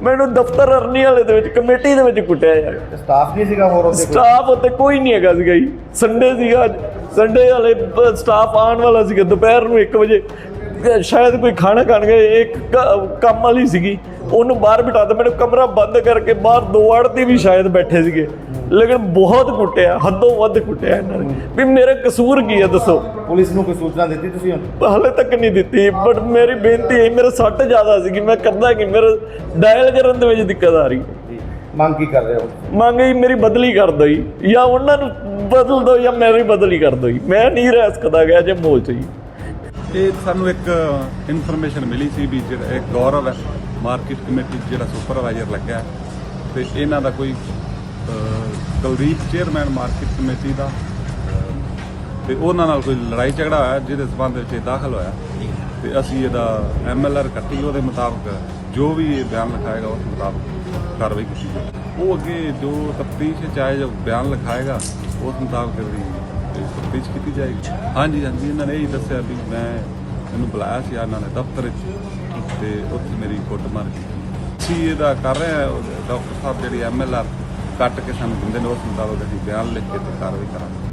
ਮੈਨੂੰ ਦਫ਼ਤਰ ਅਰਨੀ ਵਾਲੇ ਦੇ ਵਿੱਚ ਕਮੇਟੀ ਦੇ ਵਿੱਚ ਕੁੱਟਿਆ ਯਾਰ। ਸਟਾਫ ਨਹੀਂ ਸੀਗਾ ਹੋਰ ਉੱਥੇ? ਸਟਾਫ ਉੱਤੇ ਕੋਈ ਨਹੀਂ ਹੈਗਾ ਸੀਗਾ ਜੀ। ਸੰਡੇ ਸੀਗਾ, ਸੰਡੇ ਵਾਲੇ ਸਟਾਫ ਆਉਣ ਵਾਲਾ ਸੀਗਾ ਦੁਪਹਿਰ ਨੂੰ 1 ਵਜੇ, ਸ਼ਾਇਦ ਕੋਈ ਖਾਣਾ ਖਾਣ ਗਏ। ਇੱਕ ਕੰਮ ਵਾਲੀ ਸੀਗੀ, ਉਹਨੂੰ ਬਾਹਰ ਬਿਠਾ ਦਿੱਤਾ। ਮੈਨੂੰ ਕਮਰਾ ਬੰਦ ਕਰਕੇ ਬਾਹਰ 2 ਆੜ੍ਹਤੀ ਵੀ ਸ਼ਾਇਦ ਬੈਠੇ ਸੀਗੇ, ਲੇਕਿਨ ਬਹੁਤ ਕੁੱਟਿਆ, ਹੱਦੋਂ ਵੱਧ ਕੁੱਟਿਆ ਇਹਨਾਂ ਨੇ। ਵੀ ਮੇਰਾ ਕਸੂਰ ਕੀ ਹੈ ਦੱਸੋ? ਪੁਲਿਸ ਨੂੰ ਕੋਈ ਸੂਚਨਾ ਦਿੱਤੀ ਤੁਸੀਂ? ਹਾਲੇ ਤੱਕ ਨਹੀਂ ਦਿੱਤੀ, ਬਟ ਮੇਰੀ ਬੇਨਤੀ ਹੈ, ਮੇਰੇ ਸੱਟ ਜ਼ਿਆਦਾ ਸੀਗੀ, ਮੈਂ ਕਰਦਾ ਕਿ ਮੇਰੇ ਡਾਇਲ ਕਰਨ ਦੇ ਵਿੱਚ ਦਿੱਕਤ ਆ ਰਹੀ ਹੈ। ਮੰਗ ਕੀ ਕਰ ਰਹੇ ਹੋ? ਮੰਗ ਜੀ ਮੇਰੀ ਬਦਲੀ ਕਰ ਦਿਓ ਜੀ, ਜਾਂ ਉਹਨਾਂ ਨੂੰ ਬਦਲ ਦਿਓ ਜਾਂ ਮੇਰੀ ਬਦਲੀ ਕਰ ਦਿਓ ਜੀ। ਮੈਂ ਨਹੀਂ ਰਹਿ ਸਕਦਾ ਗਿਆ ਜੇ ਮੋਲ 'ਚ ਜੀ। ਇਹ ਸਾਨੂੰ ਇੱਕ ਇਨਫੋਰਮੇਸ਼ਨ ਮਿਲੀ ਸੀ ਵੀ ਜਿਹੜਾ ਇੱਕ ਗੌਰਵ ਹੈ ਮਾਰਕੀਟ ਕਮੇਟੀ ਜਿਹੜਾ ਸੁਪਰਵਾਈਜ਼ਰ ਲੱਗਾ ਹੈ, ਤੇ ਇਹਨਾਂ ਦਾ ਕੋਈ ਕੁਲਦੀਪ ਚੇਅਰਮੈਨ ਮਾਰਕੀਟ ਕਮੇਟੀ ਦਾ, ਤੇ ਉਹਨਾਂ ਨਾਲ ਕੋਈ ਲੜਾਈ ਝਗੜਾ ਹੋਇਆ ਜਿਹਦੇ ਸਬੰਧ ਵਿੱਚ ਇਹ ਦਾਖਲ ਹੋਇਆ, ਤੇ ਅਸੀਂ ਇਹਦਾ MLR ਕੱਟੀ। ਉਹਦੇ ਮੁਤਾਬਕ ਜੋ ਵੀ ਇਹ ਬਿਆਨ ਲਿਖਾਏਗਾ ਉਸ ਮੁਤਾਬਕ ਕਾਰਵਾਈ ਕੀਤੀ ਜਾਏਗੀ। ਉਹ ਅੱਗੇ ਜੋ ਤਫਤੀਸ਼ ਚਾਹੇ ਜੋ ਬਿਆਨ ਲਿਖਾਏਗਾ ਉਸ ਮੁਤਾਬਕ ਇਹਦੀ ਤਫਤੀਸ਼ ਕੀਤੀ ਜਾਏਗੀ। ਹਾਂਜੀ ਹਾਂਜੀ, ਇਹਨਾਂ ਨੇ ਇਹੀ ਦੱਸਿਆ ਵੀ ਮੈਨੂੰ ਬੁਲਾਇਆ ਸੀ ਇਹਨਾਂ ਨੇ ਦਫ਼ਤਰ 'ਚ, ਤੇ ਉੱਥੇ ਮੇਰੀ ਕੁੱਟਮਾਰ ਕੀਤੀ। ਅਸੀਂ ਇਹਦਾ ਕਰ ਰਹੇ ਹਾਂ, ਡਾਕਟਰ ਸਾਹਿਬ ਜਿਹੜੀ MLR ਕੱਟ ਕੇ ਸਾਨੂੰ ਦਿੰਦੇ ਨੇ ਉਸ ਮੁਤਾਬਕ ਅਸੀਂ ਬਿਆਨ ਲਿਖ ਕੇ ਤੇ ਕਾਰਵਾਈ ਕਰਾਂਗੇ।